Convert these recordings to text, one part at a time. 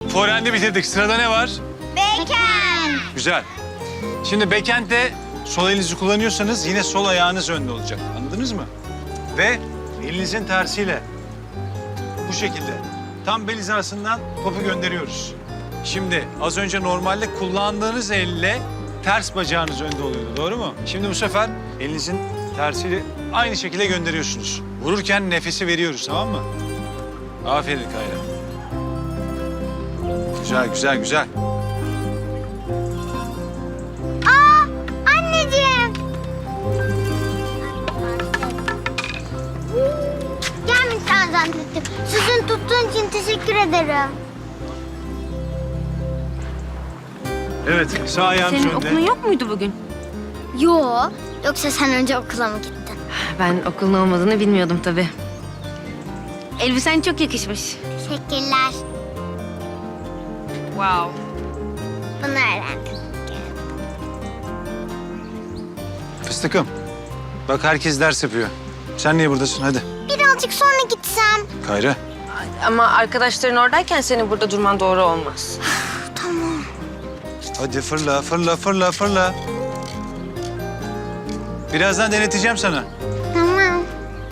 Forehand'i bitirdik. Sırada ne var? Backhand. Güzel. Şimdi backhand'de sol elinizi kullanıyorsanız yine sol ayağınız önde olacak. Anladınız mı? Ve elinizin tersiyle bu şekilde tam bel hizasından topu gönderiyoruz. Şimdi az önce normalde kullandığınız elle ters bacağınız önde oluyordu. Doğru mu? Şimdi bu sefer elinizin tersiyle aynı şekilde gönderiyorsunuz. Vururken nefesi veriyoruz, tamam mı? Aferin Kayra. Güzel, güzel, güzel. Anneciğim. Gelmişsen zannettim. Sizin tuttuğun için teşekkür ederim. Evet, sağ ayağınız Senin önde. okulun yok muydu bugün? Yo. Yoksa sen önce okula mı gittin? Ben okulun olmadığını bilmiyordum tabii. Elbisen çok yakışmış. Teşekkürler. Wow. Bunu öğrendim. Fıstıkım, bak herkes ders yapıyor. Sen niye buradasın? Hadi. Birazcık sonra gitsem. Kayra. Ama arkadaşların oradayken senin burada durman doğru olmaz. Tamam. Hadi fırla, fırla, fırla, fırla. Birazdan deneteceğim sana. Tamam.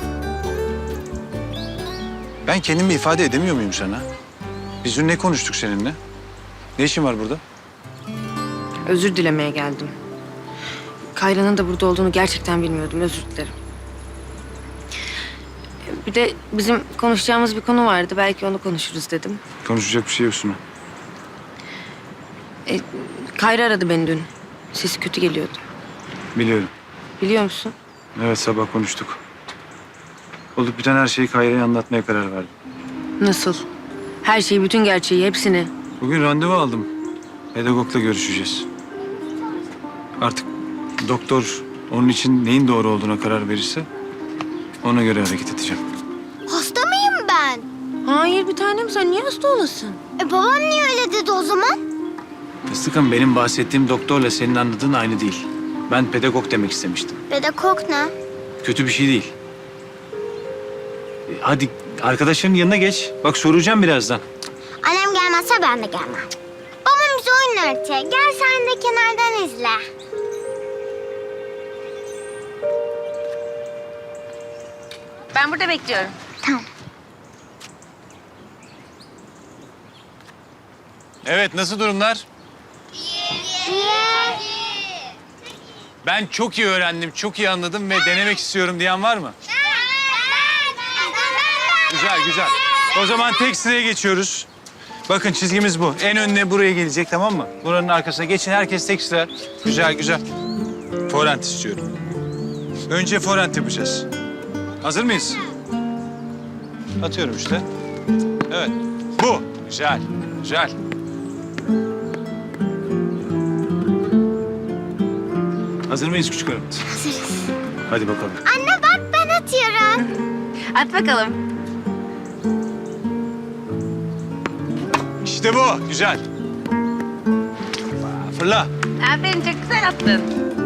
Ben kendimi ifade edemiyor muyum sana? Biz dün ne konuştuk seninle? Ne işin var burada? Özür dilemeye geldim. Kayra'nın da burada olduğunu gerçekten bilmiyordum. Özür dilerim. Bir de bizim konuşacağımız bir konu vardı. Belki onu konuşuruz dedim. Konuşacak bir şey yok Suna. Kayra aradı beni dün. Sesi kötü geliyordu. Biliyorum. Biliyor musun? Evet, sabah konuştuk. Olup biten her şeyi Kayra'ya anlatmaya karar verdim. Nasıl? Her şeyi, bütün gerçeği, hepsini. Bugün randevu aldım. Pedagogla görüşeceğiz. Artık doktor onun için neyin doğru olduğuna karar verirse ona göre hareket edeceğim. Hasta mıyım ben? Hayır bir tanem, sen niye hasta olasın? Babam niye öyle dedi o zaman? Fıstıkım, benim bahsettiğim doktorla senin anladığın aynı değil. Ben pedagog demek istemiştim. Pedagog ne? Kötü bir şey değil. Hadi arkadaşların yanına geç. Bak soracağım birazdan. Annem gelmezse ben de gelmem. Babam bize oyun öğretiyor. Gel sen de kenardan izle. Ben burada bekliyorum. Tamam. Evet, nasıl durumlar? Ben çok iyi öğrendim, çok iyi anladım ve denemek istiyorum diyen var mı? Güzel, güzel. O zaman tek sıraya geçiyoruz. Bakın çizgimiz bu. En önüne buraya gelecek, tamam mı? Buranın arkasına geçin, herkes tek sıra. Güzel, güzel. Forehand istiyorum. Önce forehand yapacağız. Hazır mıyız? Atıyorum işte. Evet. Bu. Güzel, güzel. Hazır mıyız küçük hanım? Hazırız. Hadi bakalım. Anne bak ben atıyorum. At bakalım. İşte bu. Güzel. Fırla. Aferin, çok güzel attın.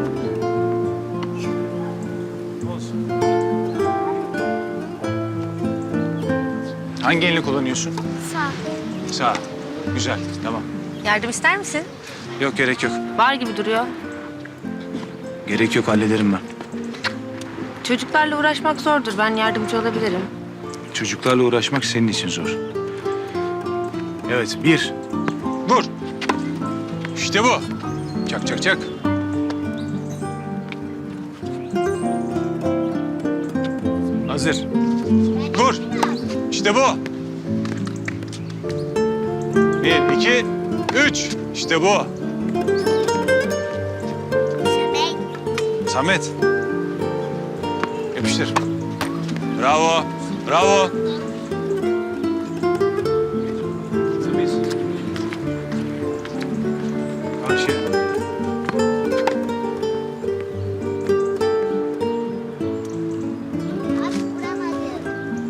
Olsun. Hangi elini kullanıyorsun? Sağ. Sağ. Güzel. Tamam. Yardım ister misin? Yok, gerek yok. Var gibi duruyor. Gerek yok, hallederim ben. Çocuklarla uğraşmak zordur. Ben yardımcı olabilirim. Çocuklarla uğraşmak senin için zor. Evet, bir. Vur. İşte bu. Çak, çak, çak. Hazır. Vur. İşte bu. Bir, iki, üç. İşte bu. Sebek. Samet. Yapıştır. Bravo. Bravo. Temiz. Karşı. Bak vuramadım.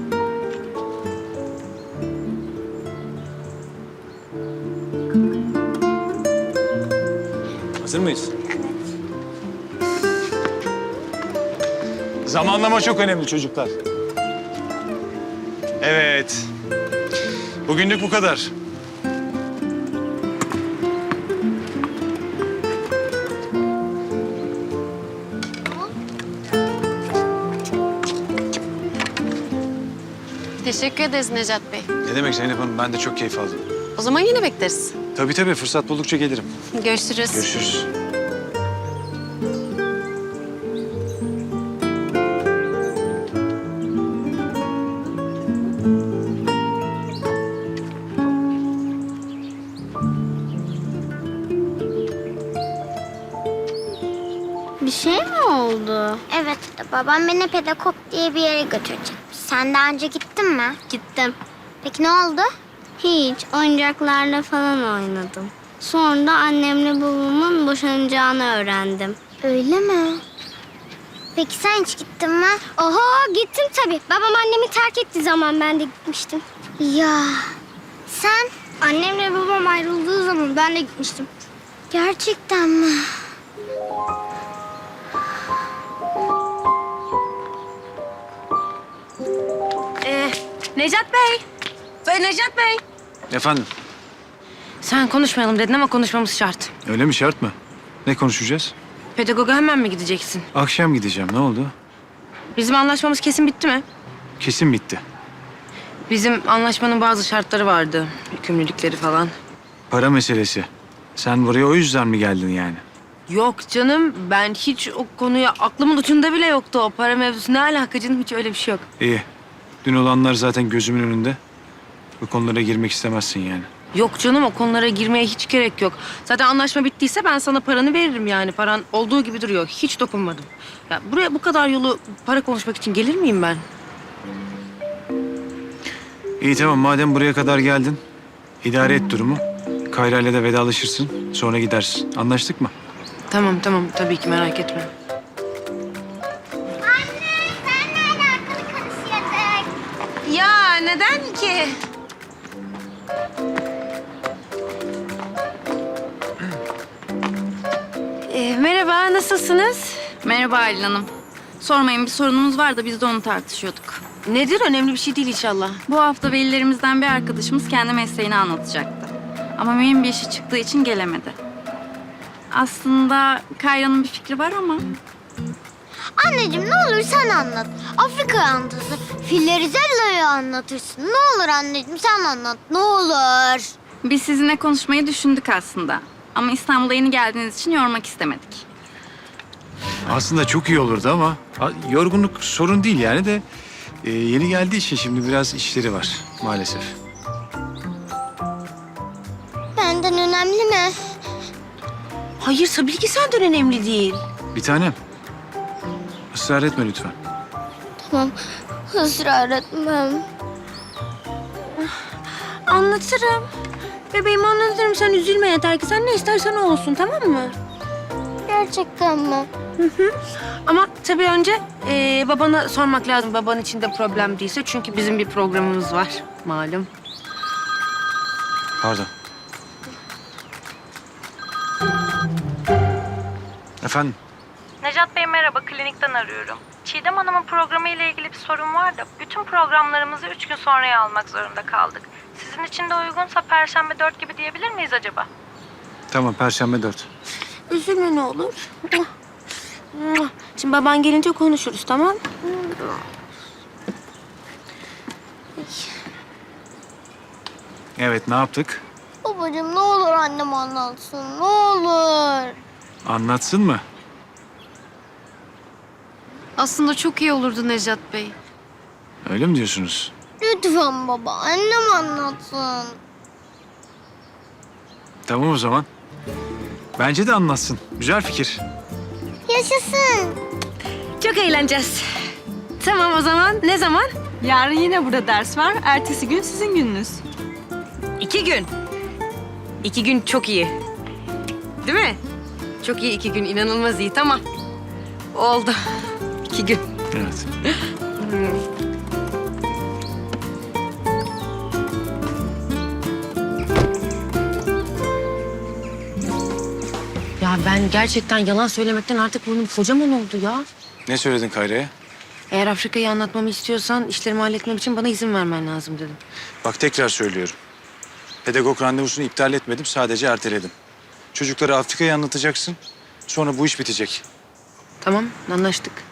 Hazır mıyız? Zamanlama çok önemli çocuklar. Evet. Bugünlük bu kadar. Teşekkür ederiz Necat Bey. Ne demek Zeynep Hanım, ben de çok keyif aldım. O zaman yine bekleriz. Tabii fırsat buldukça gelirim. Görüşürüz. Görüşürüz. Bir şey mi oldu? Evet, babam beni pedagog diye bir yere götürecek. Sen daha önce gittin mi? Gittim. Peki ne oldu? Hiç, oyuncaklarla falan oynadım. Sonra da annemle babamın boşanacağını öğrendim. Öyle mi? Peki sen hiç gittin mi? Oho, gittim tabii. Babam annemi terk ettiği zaman ben de gitmiştim. Ya, sen? Annemle babam ayrıldığı zaman ben de gitmiştim. Gerçekten mi? Necat Bey. Necat Bey. Efendim, Sen konuşmayalım dedin ama konuşmamız şart. öyle mi, şart mı? Ne konuşacağız? Pedagoga hemen mi gideceksin? Akşam gideceğim, ne oldu? Bizim anlaşmamız kesin bitti mi? Kesin bitti. Bizim anlaşmanın bazı şartları vardı. Yükümlülükleri falan. Para meselesi. Sen buraya o yüzden mi geldin yani? Yok canım, ben hiç o konuya aklımın ucunda bile yoktu o para mevzusu. Ne alaka canım, hiç öyle bir şey yok. İyi. Dün olanlar zaten gözümün önünde. Bu konulara girmek istemezsin yani. Yok canım, o konulara girmeye hiç gerek yok. Zaten anlaşma bittiyse ben sana paranı veririm yani. Paran olduğu gibi duruyor. Hiç dokunmadım. Ya buraya bu kadar yolu para konuşmak için gelir miyim ben? İyi tamam, madem buraya kadar geldin, idare et durumu. Kayra ile de vedalaşırsın, sonra gidersin. Anlaştık mı? Tamam tabii ki, merak etme. Anne, senle alakalı konuşuyorduk. Ya neden ki? Merhaba, nasılsınız? Merhaba Aylin Hanım. Sormayın, bir sorunumuz var da biz de onu tartışıyorduk. Nedir? Önemli bir şey değil inşallah. Bu hafta velilerimizden bir arkadaşımız kendi mesleğini anlatacaktı. Ama mühim bir işi çıktığı için gelemedi. Aslında Kayra'nın bir fikri var ama... Anneciğim ne olur sen anlat. Afrika'yı anlatırsın. Filleri Zella'yı anlatırsın. Ne olur anneciğim sen anlat. Ne olur. Biz sizinle konuşmayı düşündük aslında. Ama İstanbul'a yeni geldiğiniz için yormak istemedik. Aslında çok iyi olurdu ama yorgunluk sorun değil yani de yeni geldiği için şimdi biraz işleri var maalesef. Benden önemli mi? Hayır, tabii ki senden önemli değil. Bir tanem, ısrar etme lütfen. Tamam. Israr etmem. Anlatırım. Bebeğim, anlatırım. Sen üzülme, yeter ki sen ne istersen o olsun, tamam mı? Gerçekten mi? Ama tabii önce babana sormak lazım. Baban için de problem değilse. Çünkü bizim bir programımız var malum. Pardon. Efendim? Necat Bey merhaba, klinikten arıyorum. Çiğdem Hanım'ın programı ile ilgili bir sorun var da bütün programlarımızı 3 gün sonraya almak zorunda kaldık. Sizin için de uygunsa Perşembe 4 gibi diyebilir miyiz acaba? Tamam, Perşembe 4. Üzülme ne olur. Şimdi baban gelince konuşuruz, tamam? Evet, ne yaptık? Babacığım ne olur annem anlatsın. Ne olur. Anlatsın mı? Aslında çok iyi olurdu Necat Bey. Öyle mi diyorsunuz? Lütfen baba annem anlatsın. Tamam o zaman. Bence de anlatsın. Güzel fikir. Yaşasın. Çok eğleneceğiz. Tamam o zaman. Ne zaman? Yarın yine burada ders var. Ertesi gün sizin gününüz. 2 gün. 2 gün çok iyi. Değil mi? Çok iyi 2 gün. İnanılmaz iyi. Tamam. Oldu. 2 gün. Evet. Ya ben gerçekten yalan söylemekten artık burnum kocaman oldu ya. Ne söyledin Kayra'ya? Eğer Afrika'yı anlatmamı istiyorsan işlerimi halletmem için bana izin vermen lazım dedim. Bak tekrar söylüyorum. Pedagog randevusunu iptal etmedim, sadece erteledim. Çocuklara Afrika'yı anlatacaksın, sonra bu iş bitecek. Tamam, anlaştık.